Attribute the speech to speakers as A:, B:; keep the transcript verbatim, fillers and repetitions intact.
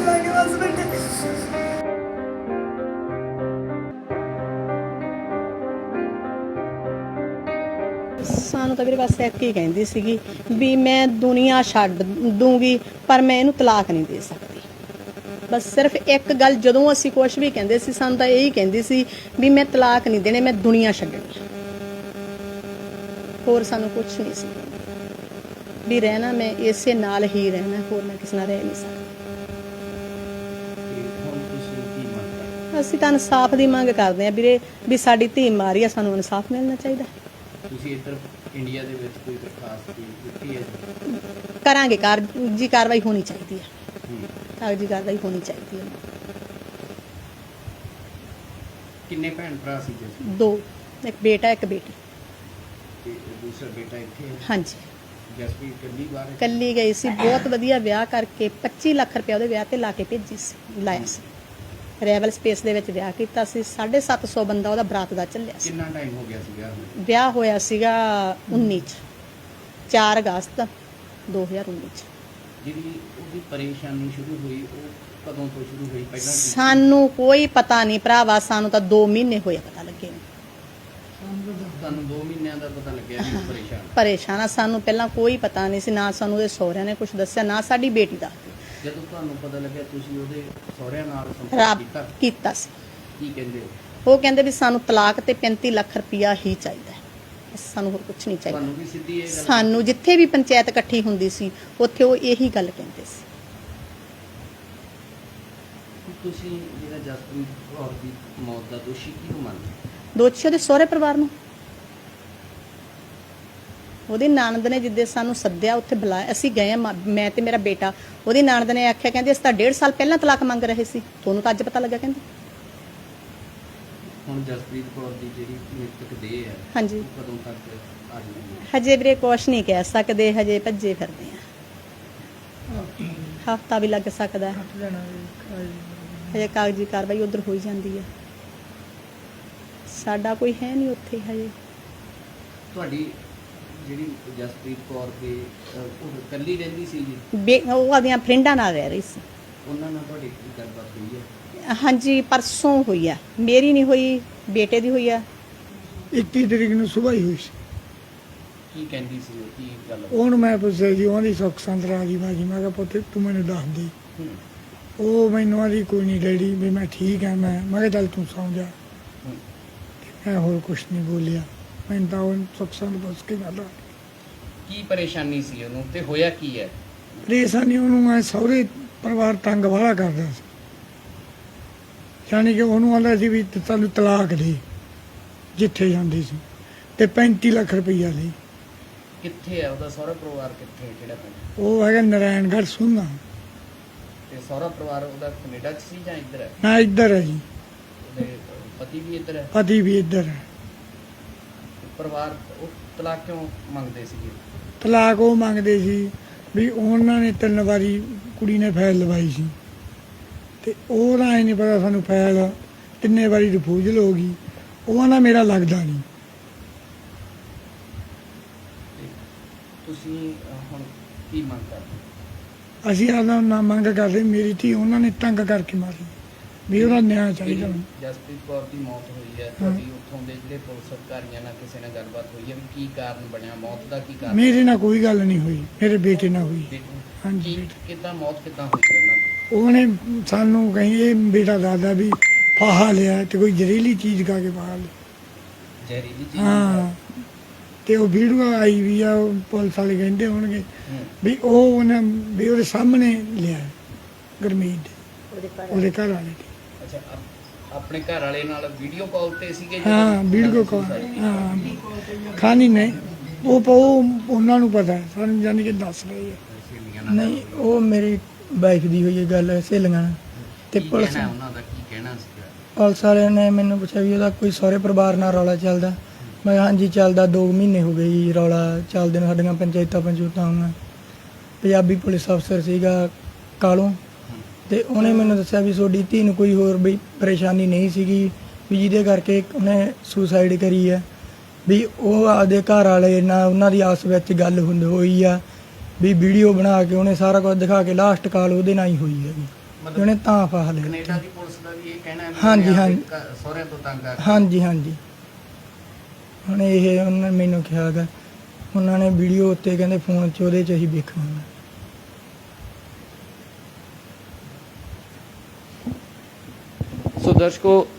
A: ਲਾਂਗੇ ਬਸ ਬੇਟੇ। ਸਾਨੂੰ ਤਾਂ ਵੀਰੇ ਬਸ ਇੱਕ ਹੀ ਕਹਿੰਦੀ ਸੀਗੀ ਵੀ ਮੈਂ ਦੁਨੀਆ ਛੱਡ ਦੂੰਗੀ ਪਰ ਮੈਂ ਇਹਨੂੰ ਤਲਾਕ ਨਹੀਂ ਦੇ ਸਕਦੀ। ਬਸ ਸਿਰਫ ਇੱਕ ਗੱਲ, ਜਦੋਂ ਅਸੀਂ ਕੁਛ ਵੀ ਕਹਿੰਦੇ ਸੀ ਸਾਨੂੰ ਤਾਂ ਇਹੀ ਕਹਿੰਦੀ ਸੀ ਵੀ ਮੈਂ ਤਲਾਕ ਨਹੀਂ ਦੇਣੇ, ਮੈਂ ਦੁਨੀਆ ਛੱਡਣੀ। ਹੋਰ ਸਾਨੂੰ ਕੁਛ ਨਹੀਂ ਸੀ ਵੀ ਰਹਿਣਾ, ਮੈਂ ਇਸੇ ਨਾਲ ਹੀ ਰਹਿਣਾ, ਹੋਰ ਮੈਂ ਕਿਸੇ ਨਾਲ ਰਹਿ ਨਹੀਂ ਸਕਦੀ। ਅਸੀਂ ਤਾਂ ਇਨਸਾਫ ਦੀ ਮੰਗ ਕਰਦੇ ਹਾਂ ਵੀਰੇ, ਵੀ ਸਾਡੀ ਧੀ ਮਾਰੀ ਆ, ਸਾਨੂੰ ਇਨਸਾਫ ਮਿਲਣਾ ਚਾਹੀਦਾ।
B: ਤੁਸੀਂ ਇੱਧਰ ਇੰਡੀਆ ਦੇ ਵਿੱਚ ਕੋਈ ਦਰਖਾਸਤ ਦਿੱਤੀ ਹੈ?
A: ਕਰਾਂਗੇ, ਕਾਰਜੀ ਕਾਰਵਾਈ ਹੋਣੀ ਚਾਹੀਦੀ ਹੈ, ਕਾਗਜ਼ੀ ਕਾਰਵਾਈ ਹੋਣੀ ਚਾਹੀਦੀ ਹੈ।
B: ਕਿੰਨੇ ਭੈਣ ਭਰਾ ਸੀ ਜੀ?
A: ਦੋ, ਇੱਕ ਬੇਟਾ ਇੱਕ ਬੇਟੀ।
B: ਤੇ ਦੂਸਰਾ ਬੇਟਾ ਇੱਥੇ ਹੈ?
A: ਹਾਂਜੀ,
B: ਜਸਪ੍ਰੀਤ ਕੱਲੀ ਬਾਹਰ ਹੈ?
A: ਕੱਲੀ ਗਈ ਸੀ, ਬਹੁਤ ਵਧੀਆ ਵਿਆਹ ਕਰਕੇ ਪੱਚੀ ਲੱਖ ਰੁਪਏ ਉਹਦੇ ਵਿਆਹ ਤੇ ਲਾ ਕੇ ਭੇਜੀ ਸੀ, ਲਾਇਆ ਸੀ। ਰੈਵਲ ਸਪੇਸ ਦੇ ਵਿੱਚ ਵਿਆਹ ਕੀਤਾ ਸੀ, ਸਾਢੇ ਸੱਤ ਸੌ ਬੰਦਾ ਉਹਦਾ ਬਰਾਤ ਦਾ ਚੱਲਿਆ ਸੀ।
B: ਕਿੰਨਾ ਟਾਈਮ ਹੋ ਗਿਆ ਸੀ ਵਿਆਹ ਨੂੰ?
A: ਵਿਆਹ ਹੋਇਆ ਸੀਗਾ ਉੱਨੀ ਚ, ਚਾਰ ਅਗਸਤ ਦੋ ਹਜ਼ਾਰ ਉੱਨੀ ਚ।
B: ਜਿਹੜੀ ਉਹਦੀ ਪਰੇਸ਼ਾਨੀ ਸ਼ੁਰੂ ਹੋਈ ਉਹ ਕਦੋਂ ਤੋਂ ਸ਼ੁਰੂ ਹੋਈ? ਪਹਿਲਾਂ ਕੀ ਸੀ?
A: ਸਾਨੂੰ ਕੋਈ ਪਤਾ ਨਹੀਂ ਭਰਾਵਾ, ਸਾਨੂੰ ਤਾਂ ਦੋ ਮਹੀਨੇ ਹੋਏ ਪਤਾ ਲੱਗੇ ਨੂੰ।
B: ਤੁਹਾਨੂੰ ਦੋ ਮਹੀਨਿਆਂ ਦਾ ਪਤਾ ਲੱਗਿਆ ਵੀ ਉਹ ਪਰੇਸ਼ਾਨ
A: ਪਰੇਸ਼ਾਨ ਆ, ਸਾਨੂੰ ਪਹਿਲਾਂ ਕੋਈ ਪਤਾ ਨਹੀਂ ਸੀ, ਨਾ ਸਾਨੂੰ ਉਹਦੇ ਸਹੁਰਿਆਂ ਨੇ ਕੁਝ ਦੱਸਿਆ, ਨਾ ਸਾਡੀ ਬੇਟੀ ਦਾ।
B: ਜਦੋਂ ਤੁਹਾਨੂੰ ਪਤਾ ਲੱਗਿਆ ਤੁਸੀਂ ਉਹਦੇ ਸਹੁਰਿਆਂ ਨਾਲ ਸੰਪਰਕ
A: ਰੱਬ
B: ਕੀਤਾ?
A: ਕੀਤਾ ਸੀ।
B: ਕੀ ਕਹਿੰਦੇ ਹੋ?
A: ਉਹ ਕਹਿੰਦੇ ਵੀ ਸਾਨੂੰ ਤਲਾਕ ਤੇ ਪੈਂਤੀ ਲੱਖ ਰੁਪਇਆ ਹੀ ਚਾਹੀਦਾ ਹੈ, ਬਸ ਸਾਨੂੰ ਹੋਰ ਕੁਝ ਨਹੀਂ ਚਾਹੀਦਾ।
B: ਤੁਹਾਨੂੰ ਵੀ ਸਿੱਧੀ ਇਹ ਗੱਲ?
A: ਸਾਨੂੰ ਜਿੱਥੇ ਵੀ ਪੰਚਾਇਤ ਇਕੱਠੀ ਹੁੰਦੀ ਸੀ ਉੱਥੇ ਉਹ ਇਹੀ ਗੱਲ ਕਹਿੰਦੇ ਸੀ।
B: ਤੁਸੀਂ ਜਿਹੜਾ ਜਸਪ੍ਰੀਤ ਕੌਰ ਦੀ ਮੌਤ ਦਾ ਦੋਸ਼ੀ ਕਿਹਨੂੰ ਮੰਨਦੇ?
A: ਦੋਸ਼ੀ ਉਹਦੇ ਸਹੁਰੇ ਪਰਿਵਾਰ ਨੂੰ। ਉਹਦੀ ਨਣਦ ਨੇ ਜਿੱਦੇ ਸਾਨੂੰ ਸੱਦਿਆ ਉੱਥੇ ਬੁਲਾਇਆ, ਅਸੀਂ ਗਏ, ਮੈਂ ਤੇ ਮੇਰਾ ਬੇਟਾ। ਉਹਦੀ ਨਣਦ ਨੇ ਆਖਿਆ, ਕਹਿੰਦੀ ਅਸੀਂ ਤਾਂ ਡੇਢ ਸਾਲ ਪਹਿਲਾਂ ਤਲਾਕ ਮੰਗ ਰਹੇ ਸੀ, ਤੁਹਾਨੂੰ ਤਾਂ ਅੱਜ ਪਤਾ ਲੱਗਾ। ਕਹਿੰਦੀ
B: ਹੁਣ ਜਸਪ੍ਰੀਤ ਕੌਰ ਦੀ ਜਿਹੜੀ ਮ੍ਰਿਤਕ ਦੇਹ ਹੈ,
A: ਹਾਂਜੀ,
B: ਕਦੋਂ ਤੱਕ ਆ ਜਾਊਗੀ?
A: ਹਜੇ ਵੀਰੇ ਕੁਛ ਨਹੀਂ ਕਹਿ ਸਕਦੇ, ਹਜੇ ਭੱਜੇ ਫਿਰਦੇ ਆ, ਹਫਤਾ ਵੀ ਲੱਗ ਸਕਦਾ ਹੈ। ਹਜੇ ਕਾਗਜ਼ੀ ਕਾਰਵਾਈ ਉਧਰ ਹੋਈ ਜਾਂਦੀ ਹੈ, ਸਾਡਾ ਕੋਈ ਹੈ ਨਹੀਂ ਉੱਥੇ ਹਜੇ।
B: ਤੁਹਾਡੀ ਜਿਹੜੀ ਜਸਪ੍ਰੀਤ ਕੌਰ ਦੇ ਉਹ ਇਕੱਲੀ ਰਹਿੰਦੀ ਸੀ ਜੀ?
A: ਬੇ ਉਹ ਆਪਣੀਆਂ ਫਰੈਂਡਾਂ ਨਾਲ ਰਹਿ ਰਹੀ ਸੀ।
B: ਉਹਨਾਂ ਨਾਲ ਤੁਹਾਡੀ ਕੀ ਗੱਲਬਾਤ ਹੋਈ ਹੈ?
A: ਹਾਂਜੀ, ਪਰਸੋਂ ਹੋਈ ਆ, ਮੇਰੀ ਨਹੀਂ ਹੋਈ, ਬੇਟੇ ਦੀ ਹੋਈ ਆ।
C: ਇੱਕੀ ਤਰੀਕ ਨੂੰ ਸੁਬਾਹ ਹੀ ਹੋਈ ਸੀ।
B: ਕੀ ਕਹਿੰਦੀ ਸੀ ਉਹ? ਕੀ ਗੱਲ?
C: ਉਹਨੂੰ ਮੈਂ ਪੁੱਛਿਆ ਜੀ, ਉਹਦੀ ਸੁੱਖ ਸੰਤ ਰਾਜੀ ਬਾਜੀ। ਮੈਂ ਕਿਹਾ ਪੁੱਤ ਤੂੰ ਮੈਨੂੰ ਦੱਸ ਦੇ।
B: ਹੂੰ
C: ਉਹ ਮੈਨੂੰ ਆਦੀ ਕੋਈ ਨਹੀਂ ਡੈਡੀ, ਵੀ ਮੈਂ ਠੀਕ ਹਾਂ। ਮੈਂ ਮੈਂ ਕਿਹਾ ਚੱਲ ਤੂੰ ਸੌਂ ਜਾ।
B: ਹੂੰ।
C: ਮੈਂ ਹੋਰ ਕੁਛ ਨਹੀਂ ਬੋਲਿਆ, ਮੈਨੂੰ ਤਾਂ ਉਹ ਸੁੱਖ ਸੰਤ ਪੁੱਛ ਕੇ ਗੱਲ ਆ।
B: ਕੀ ਪਰੇਸ਼ਾਨੀ ਸੀ ਉਹਨੂੰ ਤੇ ਹੋਇਆ ਕੀ ਹੈ?
C: ਪਰੇਸ਼ਾਨੀ ਉਹਨੂੰ ਮੈਂ ਸਹੁਰੇ ਪਰਿਵਾਰ ਤੰਗ ਵਾਲਾ ਕਰਦਾ ਸੀ, ਯਾਨੀ ਕਿ ਉਹਨੂੰ ਆਂਦਾ ਸੀ ਵੀ ਤੁਹਾਨੂੰ ਤਲਾਕ ਦੇ, ਜਿੱਥੇ ਜਾਂਦੀ ਸੀ, ਤੇ ਪੈਂਤੀ ਲੱਖ ਰੁਪਈਆ ਲਈ।
B: ਕਿੱਥੇ ਹੈ ਉਹਦਾ ਸਹੁਰਾ ਪਰਿਵਾਰ? ਕਿੱਥੇ, ਕਿਹੜਾ ਪਿੰਡ?
C: ਉਹ ਹੈਗਾ ਨਾਰਾਇਣਗੜ੍ਹ ਸੁਣਨਾ।
B: ਤੇ ਸਹੁਰਾ ਪਰਿਵਾਰ ਉਹਦਾ ਕੈਨੇਡਾ 'ਚ ਸੀ ਜਾਂ ਇੱਧਰ ਹੈ?
C: ਨਾ ਇੱਧਰ ਹੈ ਜੀ,
B: ਉਹਦੇ ਪਤੀ ਵੀ ਇੱਧਰ ਹੈ?
C: ਪਤੀ ਵੀ ਇੱਧਰ ਹੈ।
B: ਪਰਿਵਾਰ ਉਹ ਤਲਾਕ ਕਿਉਂ ਮੰਗਦੇ ਸੀਗੇ?
C: ਤਲਾਕ ਉਹ ਮੰਗਦੇ ਸੀ ਵੀ ਉਹਨਾਂ ਨੇ ਤਿੰਨ ਵਾਰੀ ਕੁੜੀ ਨੇ ਫਾਈਲ ਲਵਾਈ ਸੀ, ਤੇ ਉਹਦਾ ਐ ਨਹੀਂ ਪਤਾ ਸਾਨੂੰ ਫਾਈਲ ਕਿੰਨੇ ਵਾਰੀ ਰਿਫਿਊਜ਼ਲ ਹੋ ਗਈ। ਉਹ ਨਾ ਮੇਰਾ ਲੱਗਦਾ ਨਹੀਂ।
B: ਤੇ ਤੁਸੀਂ ਅਹ, ਹੁਣ ਕੀ ਮੰਗ ਕਰਦੇ?
C: ਅਸੀਂ ਆਦਾ ਨਾ ਮੰਗ ਕਰਦੇ, ਮੇਰੀ ਧੀ ਉਹਨਾਂ ਨੇ ਤੰਗ ਕਰਕੇ ਮਾਰੀ, ਵੀ ਉਹਦਾ ਨਿਆਂ ਚਾਹੀਦਾ।
B: ਜਿਹੜੀ ਜਸਪ੍ਰੀਤ ਕੌਰ ਦੀ ਮੌਤ ਹੋਈ ਹੈ, ਤੁਹਾਡੀ ਉੱਥੋਂ ਦੇ ਜਿਹੜੇ ਪੁਲਿਸ ਅਧਿਕਾਰੀਆਂ ਨਾਲ ਕਿਸੇ ਨਾਲ ਗੱਲਬਾਤ ਹੋਈ ਹੈ ਵੀ ਕੀ ਕਾਰਨ ਬਣਿਆ ਮੌਤ ਦਾ? ਕੀ ਕਾਰਨ?
C: ਮੇਰੇ ਨਾਲ ਕੋਈ ਗੱਲ ਨਹੀਂ ਹੋਈ, ਮੇਰੇ ਬੇਟੇ ਨਾਲ ਹੋਈ।
B: ਦੇਖੋ,
C: ਹਾਂਜੀ।
B: ਕੀ ਕਿੱਦਾਂ ਮੌਤ ਕਿੱਦਾਂ ਹੋਈ ਹੈ ਉਹਨਾਂ ਦੀ?
C: ਉਹਨੇ ਸਾਨੂੰ ਕਹੀ, ਇਹ ਬੇਟਾ ਦਾਦਾ ਵੀ ਫਾਹਾ ਲਿਆ ਤੇ ਕੋਈ ਜ਼ਹਿਰੀਲੀ ਚੀਜ਼ ਖਾ ਕੇ ਫਾਹਾ ਲਿਆ।
B: ਜ਼ਹਿਰੀਲੀ ਚੀਜ਼?
C: ਹਾਂ, ਤੇ ਉਹ ਵੀਡੀਓ ਆਈ ਵੀ ਆ, ਉਹ ਪੁਲਿਸ ਵਾਲੇ ਕਹਿੰਦੇ ਹੋਣਗੇ
B: ਹੂੰ।
C: ਵੀ ਉਹ ਉਹਨੇ ਵੀ ਉਹਦੇ ਸਾਹਮਣੇ ਲਿਆ ਗੁਰਮੀਤ ਦੇ, ਉਹਦੇ ਘਰ ਵਾਲੇ ਦੇ।
B: ਅੱਛਾ, ਆਪ- ਆਪਣੇ ਘਰ ਵਾਲੇ ਨਾਲ ਵੀਡੀਓ ਕਾਲ ਤੇ ਸੀਗੇ? ਜਦੋਂ
C: ਹਾਂ, ਵੀਡੀਓ ਕਾਲ। ਹਾਂ, ਖਾਣੀ ਨਹੀਂ, ਉਹ ਪ- ਉਹ ਉਹਨਾਂ ਨੂੰ ਪਤਾ, ਸਾਨੂੰ ਜਾਣੀ ਕਿ ਦੱਸ ਰਹੇ ਆ।
B: ਸਹੇਲੀਆਂ ਨਾਲ
D: ਨਹੀਂ, ਉਹ ਮੇਰੀ ਵਾਈਫ ਦੀ ਹੋਈ ਹੈ ਗੱਲ ਸਹੇਲੀਆਂ ਨਾਲ। ਤੇ
B: ਕੀ
D: ਪੁਲਿਸ
B: ਕਹਿਣਾ ਉਹਨਾਂ ਦਾ? ਕੀ ਕਹਿਣਾ ਸੀਗਾ?
D: ਪੁਲਿਸ ਵਾਲਿਆਂ ਨੇ ਮੈਨੂੰ ਪੁੱਛਿਆ ਵੀ ਉਹਦਾ ਕੋਈ ਸਹੁਰੇ ਪਰਿਵਾਰ ਨਾਲ ਰੌਲਾ ਚੱਲਦਾ। ਮੈਂ ਕਿਹਾ ਹਾਂਜੀ ਚੱਲਦਾ, ਦੋ ਮਹੀਨੇ ਹੋ ਗਏ ਜੀ ਰੌਲਾ ਚੱਲਦੇ ਨੂੰ, ਸਾਡੀਆਂ ਪੰਚਾਇਤਾਂ ਪੰਚੂਤਾਂ ਹੋਈਆਂ। ਪੰਜਾਬੀ ਪੁਲਿਸ ਅਫਸਰ ਸੀਗਾ ਕਾਲੋਂ, ਤੇ ਉਹਨੇ ਮੈਨੂੰ ਦੱਸਿਆ ਵੀ ਤੁਹਾਡੀ ਧੀ ਨੂੰ ਕੋਈ ਹੋਰ ਵੀ ਪਰੇਸ਼ਾਨੀ ਨਹੀਂ ਸੀਗੀ, ਵੀ ਜਿਹਦੇ ਕਰਕੇ ਉਹਨੇ ਸੁਸਾਈਡ ਕਰੀ ਹੈ। ਵੀ ਉਹ ਆਪਦੇ ਘਰ ਵਾਲੇ ਨਾਲ ਉਹਨਾਂ ਦੀ ਆਪਸ ਵਿੱਚ ਗੱਲ ਹੁੰਦੀ ਹੋਈ ਆ, ਵੀ ਵੀਡੀਓ ਬਣਾ ਕੇ ਉਹਨੇ ਸਾਰਾ ਕੁਝ ਦਿਖਾ ਕੇ ਲਾਸਟ ਕਾਲ ਉਹਦੇ ਨਾਲ ਹੀ ਹੋਈ ਹੈਗੀ।
B: ਮਤਲਬ
D: ਉਹਨੇ ਤਾਂ ਫਾਹ ਲਿਆ
B: ਕੈਨੇਡਾ ਦੀ ਪੁਲਿਸ ਦਾ ਵੀ ਇਹ ਕਹਿਣਾ ਹੈ ਵੀ
D: ਹਾਂਜੀ,
B: ਉਹਨੇ
D: ਹਾਂਜੀ।
B: ਆਪਣੇ ਘ- ਸਹੁਰਿਆਂ ਤੋਂ ਤੰਗ ਆ ਕੇ-
D: ਹਾਂਜੀ ਹਾਂਜੀ ਹੁਣ ਇਹ ਉਹਨਾਂ ਨੇ ਮੈਨੂੰ ਕਿਹਾ ਗਾ ਉਹਨਾਂ ਨੇ ਵੀਡੀਓ ਉੱਤੇ ਕਹਿੰਦੇ ਫੋਨ 'ਚ ਉਹਦੇ 'ਚ ਅਸੀਂ ਵੇਖਣਾ
B: ਸੋ ਦਰਸ਼ਕੋ